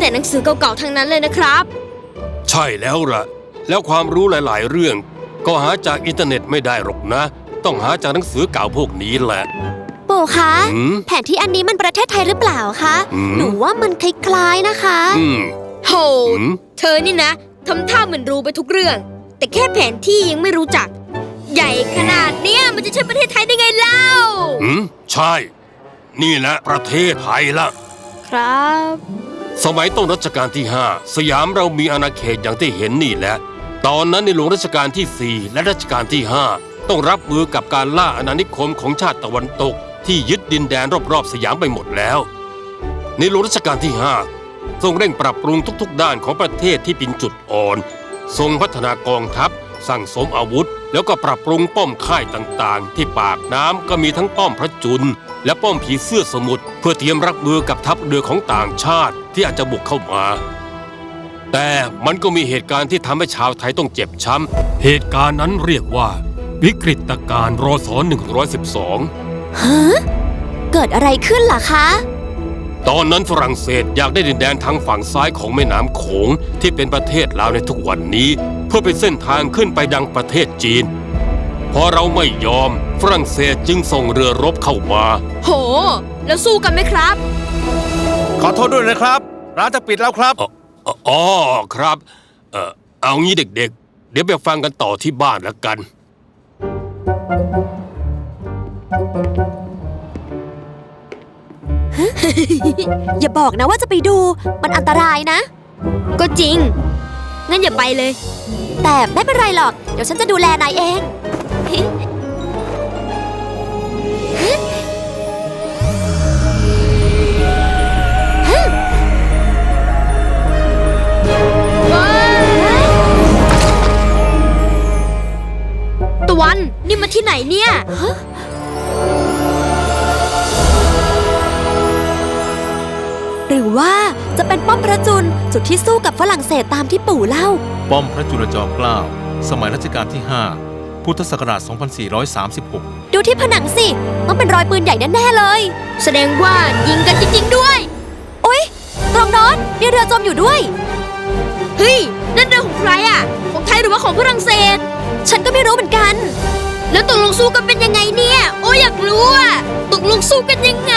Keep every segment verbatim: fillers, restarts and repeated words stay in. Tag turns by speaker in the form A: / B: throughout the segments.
A: แต่หนังสือเก่าๆทั้งนั้นเลยนะครับ
B: ใช่แล้วล่ะแล้วความรู้หลายๆเรื่องก็หาจากอินเทอร์เน็ตไม่ได้หรอกนะต้องหาจากหนังสือเก่าพวกนี้แหละ
C: ปู่คะแผนที่อันนี้มันประเทศไทยหรือเปล่าคะหนูว่ามันคล้ายๆนะคะ
A: โหเธอนี่นะทำท่าเหมือนรู้ไปทุกเรื่องแต่แค่แผนที่ยังไม่รู้จักใหญ่ขนาดเนี้ยมันจะใช่ประเทศไทยได้ไงเล่า
B: อืมใช่นี่แหละประเทศไทยละ
A: ครับ
B: สมัยต้นรัชกาลที่ห้าสยามเรามีอาณาเขตอย่างที่เห็นนี่แหละตอนนั้นในหลวงรัชกาลที่สี่และรัชกาลที่ห้าต้องรับมือกับการล่าอาณานิคมของชาติตะวันตกที่ยึดดินแดนรอบๆสยามไปหมดแล้วในหลวงรัชกาลที่ห้าทรงเร่งปรับปรุงทุกๆด้านของประเทศที่เป็นจุดอ่อนทรงพัฒนากองทัพสั่งสมอาวุธแล้วก็ปรับปรุงป้อมค่ายต่างๆที่ปากน้ำก็มีทั้งป้อมพระจุลและป้อมผีเสื้อสมุทรเพื่อเตรียมรับมือกับทัพเรือของต่างชาติที่อาจจะบุกเข้ามาแต่มันก็มีเหตุการณ์ที่ทำให้ชาวไทยต้องเจ็บช้ำเหตุการณ์นั้นเรียกว่าวิกฤตการณ์รศหนึ่งร้อยสิบสอง
C: ฮะเกิดอะไรขึ้นล่ะคะ
B: ตอนนั้นฝรั่งเศสอยากได้ดินแดนทางฝั่งซ้ายของแม่น้ำโขงที่เป็นประเทศลาวในทุกวันนี้เพื่อเป็นเส้นทางขึ้นไปยังประเทศจีนพอเราไม่ยอมฝรั่งเศสจึงส่งเรือรบเข้ามา
A: โหแล้วสู้กันไหมครับ
D: ขอโทษด้วยนะครับร้านจะปิดแล้วครับ
B: อ๋อครับเออเอางี้เด็กๆเดี๋ยวไปฟังกันต่อที่บ้านแล้วกัน
C: อย่าบอกนะว่าจะไปดูมันอันตรายนะ
A: ก็จริงงั้นอย่าไปเลย
C: แต่ไม่เป็นไรหรอกเดี๋ยวฉันจะดูแลนายเอง
A: ตะวันนี่มาที่ไหนเนี่ย
C: หรือว่าจะเป็นป้อมพระจุลจุดที่สู้กับฝรั่งเศสตามที่ปู่เล่า
D: ป้อมพระจุลจอมเกล้าสมัยรัชกาลที่ห้าพุทธศักราชสองพันสี่ร้อยสามสิบหก
C: ดูที่ผนังสิต้องเป็นรอยปืนใหญ่แน่ๆเลย
A: แสดงว่ายิงกันจริงๆด้วย
C: โอ๊ยตรงโน้นมีเรือจมอยู่ด้วย
A: เฮ้ยนั่นเรือของใครอ่ะของไทยหรือว่าของฝรั่งเศส
C: ฉันก็ไม่รู้เหมือนกัน
A: แล้วตกลงสู้กันเป็นยังไงเนี่ยโอ้อยากรู้อ่ะตกลงสู้กันยังไง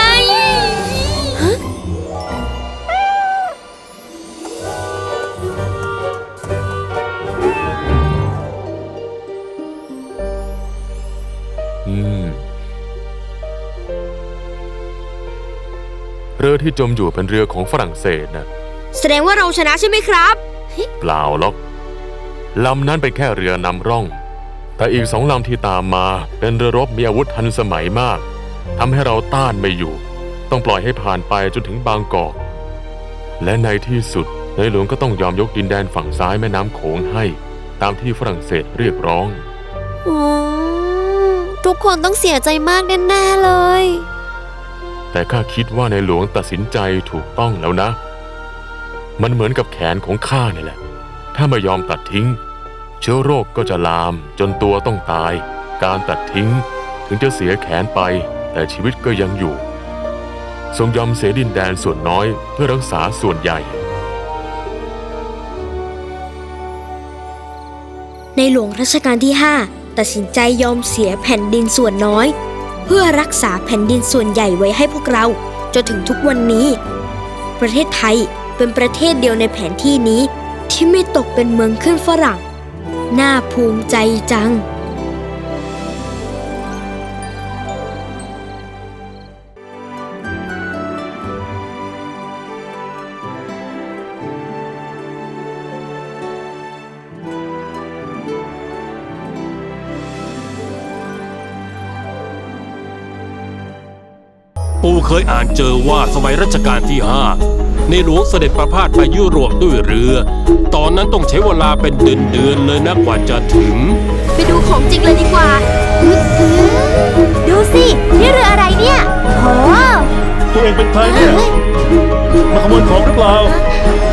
E: เรือที่จมอยู่เป็นเรือของฝรั่งเศสนะ
A: แสดงว่าเราชนะใช่ไหมครับ
E: เปล่าหรอกลำนั้นเป็นแค่เรือนำร่องแต่อีกสองลำที่ตามมาเป็นเรือรบมีอาวุธทันสมัยมากทำให้เราต้านไม่อยู่ต้องปล่อยให้ผ่านไปจนถึงบางกอกและในที่สุดในหลวงก็ต้องยอมยกดินแดนฝั่งซ้ายแม่น้ำโขงให้ตามที่ฝรั่งเศสเรียกร้อง
C: ทุกคนต้องเสียใจมากแน่ๆเลย
E: แต่ข้าคิดว่าในหลวงตัดสินใจถูกต้องแล้วนะมันเหมือนกับแขนของข้านี่แหละถ้าไม่ยอมตัดทิ้งเชื้อโรคก็จะลามจนตัวต้องตายการตัดทิ้งถึงจะเสียแขนไปแต่ชีวิตก็ยังอยู่ทรงยอมเสียดินแดนส่วนน้อยเพื่อรักษาส่วนใหญ่
A: ในหลวงรัชกาลที่ห้าตัดสินใจยอมเสียแผ่นดินส่วนน้อยเพื่อรักษาแผ่นดินส่วนใหญ่ไว้ให้พวกเราจนถึงทุกวันนี้ประเทศไทยเป็นประเทศเดียวในแผนที่นี้ที่ไม่ตกเป็นเมืองขึ้นฝรั่งน่าภูมิใจจัง
B: ปู่เคยอ่านเจอว่าสมัยรัชกาลที่ห้าในหลวงเสด็จประพาสไปยุโรปด้วยเรือตอนนั้นต้องใช้เวลาเป็นเดือนๆเลยนะกว่าจะถึง
A: ไปดูของจริงเลยดีกว่า
C: ดูสินี่เรืออะไรเนี่ยโห
F: ตัวเองเป็นใครเนี่ยมาขโมยของหรือเปล่า